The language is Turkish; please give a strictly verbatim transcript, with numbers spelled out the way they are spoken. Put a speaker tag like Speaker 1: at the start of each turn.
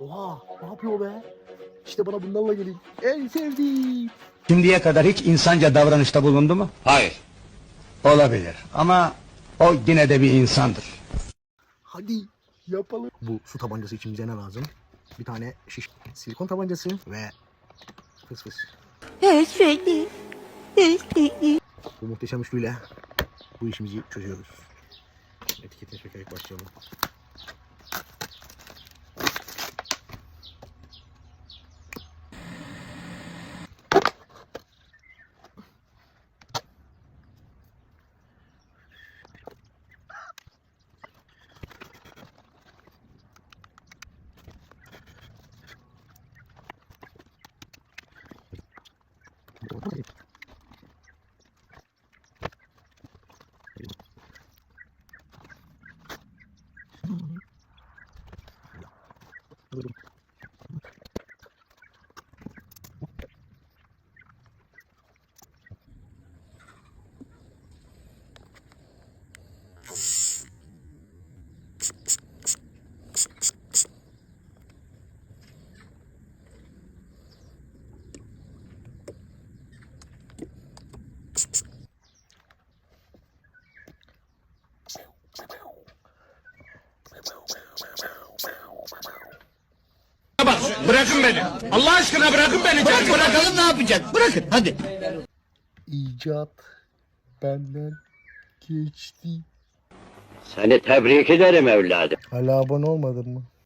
Speaker 1: Oha, ne yapıyor be? İşte bana bunlarla gelin. En sevdiğim.
Speaker 2: Şimdiye kadar hiç insanca davranışta bulundu mu?
Speaker 3: Hayır.
Speaker 2: Olabilir ama o yine de bir insandır.
Speaker 1: Hadi yapalım. Bu su tabancası için bize ne lazım? Bir tane şiş silikon tabancası ve fıs fıs. Bu muhteşem üçlüyle bu işimizi çözüyoruz. Etiketini çekerek başlayalım.
Speaker 3: Bak, bırakın beni. Allah aşkına bırakın beni. Bırak, bırakalım ne yapacak? Bırakın hadi.
Speaker 1: İcat benden geçti.
Speaker 4: Seni tebrik ederim evladım.
Speaker 1: Hala abone olmadın mı?